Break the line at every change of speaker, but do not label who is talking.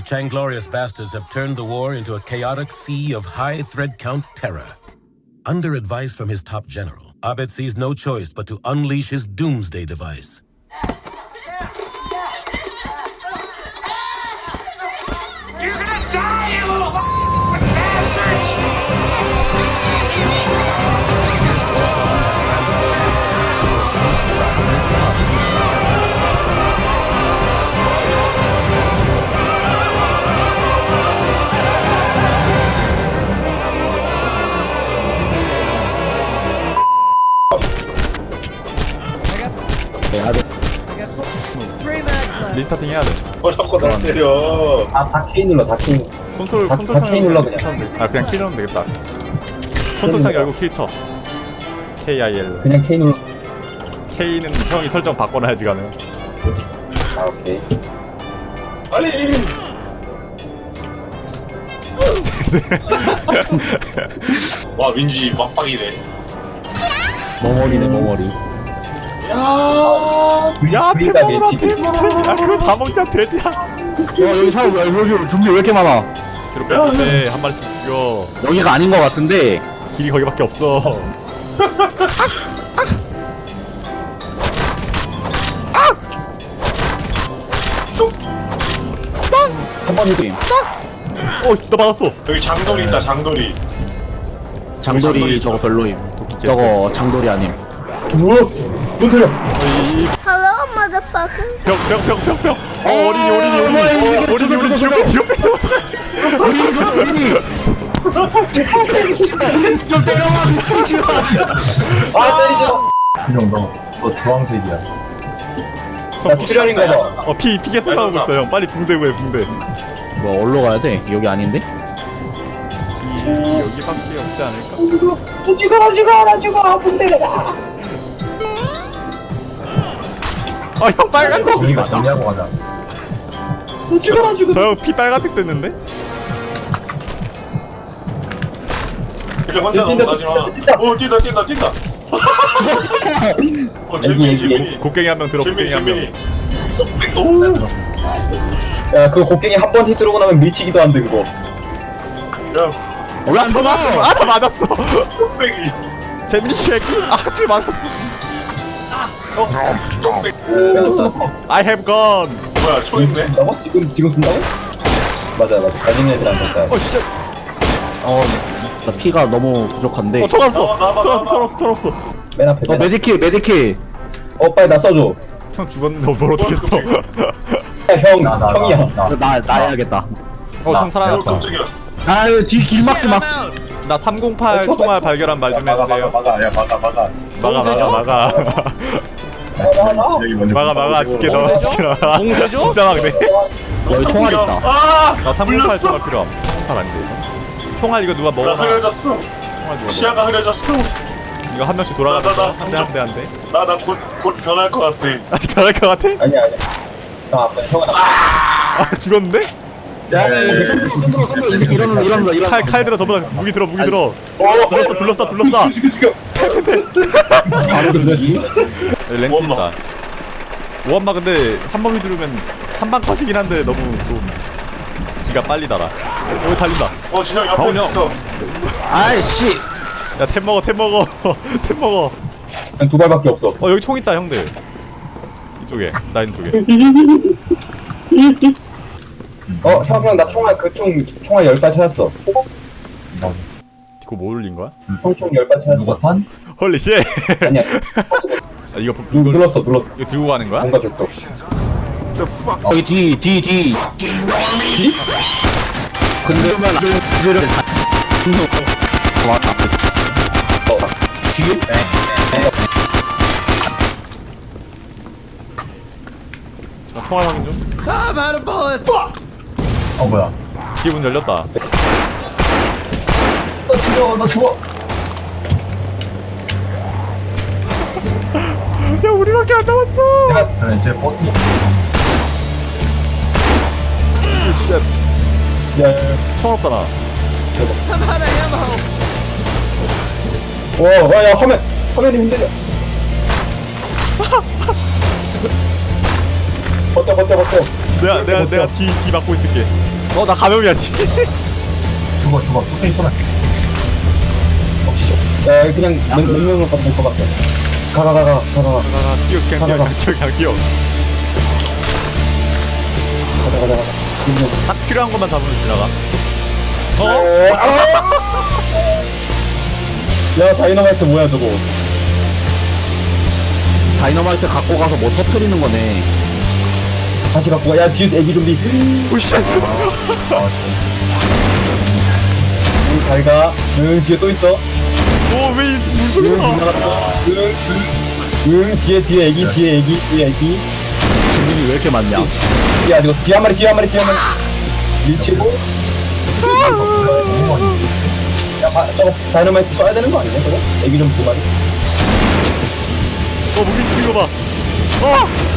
Changlorious bastards have turned the war into a chaotic sea of high thread count terror. Under advice from his top general, Abed sees no choice but to unleash his doomsday device.
You're gonna die, you little bastards!
리스타팅 해야 돼.
자꾸 나 때려.
다 K 눌러, 다 K.
콘솔
다
창
K 눌러 그냥.
그냥 키 넣으면 되겠다. 콘솔 창 열고 키 쳐. KIL.
그냥 K 눌러.
K는 형이 설정 바꿔놔야지 가능.
아, 오케이.
빨리. 와 윈지 막박이네.
머머리네, 머머리.
야,
우리가
대박이다,
밀치기.
대박. 야, 그거 다 먹자, 돼지야.
여기 사람 여기 좀비 왜 이렇게 많아?
뒤로 빼는데 한 마리씩 죽여.
여기가 아닌 것 같은데.
길이 거기밖에 없어.
한 번이도
나 맞았어.
여기 장돌이 있다 장돌이.
장돌이 저거 별로임. 저거 장돌이 아님.
뭐야? 뭔 소리야?
Hello, motherfucker.
병. 어린이 뒤로 빼.
좀 때려봐 미치지 마.
아, 때리죠. 준영, 너 주황색이야. 나 출혈인가 봐.
피게 쏟아오고 있어 형. 빨리 붕대 구해 붕대.
뭐 어디로 가야 돼? 여기 아닌데?
여기밖에 없지 않을까?
죽어, 분대가.
형 빨간색.
우리가 정리하고 가자.
저 형 피 빨간색 됐는데?
그냥 혼자 넘어가지 마. 뛴다. 재민이.
곡괭이 한 명 들어. 곡괭이 한 명.
오.
야, 그 곡괭이 한 번 히트로고 나면 밀치기도 안 돼, 그거.
야.
올라 쳐봐.
다 맞았어.
뚝배기.
재민이 새끼. 지금 맞았어. I have gun.
뭐야 총 있네.
쓴다고? 지금 쓴다고? 맞아. 가진 애들 안 썼다.
진짜.
나 피가 너무 부족한데.
총
나와.
없어.
맨 앞에.
메디킷.
빨리 나 써줘.
형 죽었는데 뭘 어떻게 써?
형이야.
나 해야겠다.
총 살아났다.
깜짝이야.
아유 뒤 길 막지 마.
나 308 총알 발견한 말 좀 해주세요. 막아 죽게 나와.
봉쇄죠?
진짜 막네.
여기 총알 있다.
나 308 총알 필요함. 총알 아닌데 이거? 총알 이거 누가
나
먹어놔?
흐려졌어.
총알 누가
시야가 흐려졌어.
먹어? 이거 한 명씩 돌아가면서 한대.
나 곧 변할 것 같아.
변할 것 같아?
아니야. 형 아빠 형은
죽었는데?
야, 이 새끼 일어나.
칼 들어 저보다 무기 들어. 둘러싸.
죽여. 바로 들려지.
렌치 있다. 오한마 근데 한 번 휘두르면 한방 컷이긴 한데 너무 좀 기가 빨리 달아. 여기 달린다.
진영 옆에
형.
있어.
아이씨.
야 템 먹어. 템 먹어.
한 두 발밖에 없어.
여기 총 있다 형들. 이쪽에 나 있는 쪽에.
형, 나 총알 총알 10발 찾았어.
이거 뭐 올린 거야?
형 총 10발 찾았어. 누가 탄?
헐리 씨.
아니야.
이거
눌렀어.
이거 들고 가는 거야?
뭔가 됐어.
여기 뒤. 근데 그러면 기절을 왔다. 뒤에?
나 총알 확인 좀.
뭐야?
뒤에 문 열렸다.
너 죽어.
야 우리밖에 안 남았어.
그래, 이제 버스. 야.
총 없다 나.
야, 화면이 흔들려. 버텨. 버텨.
내가 뒤 막고 있을게. 나 감염이야 씨.
죽어. 뚝배기 쏘나. 야, 그냥 맹명으로 가도 될것 같아. 가.
뛰어 그냥 뛰어.
가자.
딱 필요한 것만 잡으면 지나가.
야, 다이너마이트 뭐야, 저거.
다이너마이트 갖고 가서 뭐 터트리는 거네.
다시 갖고 가. 야, 뒤에 애기 좀비.
오씨.
잘 가. 뒤에 또 있어.
왜 무슨 소리야?
지나갔다. 뒤에 애기.
질문이 왜 이렇게 많냐?
야, 이거 뒤에 한 마리. 밀치고. 야, 저거 다이너마이트 쏴야 되는 거 아니냐, 저거? 애기 좀 두 마리.
무기 치는 거 봐.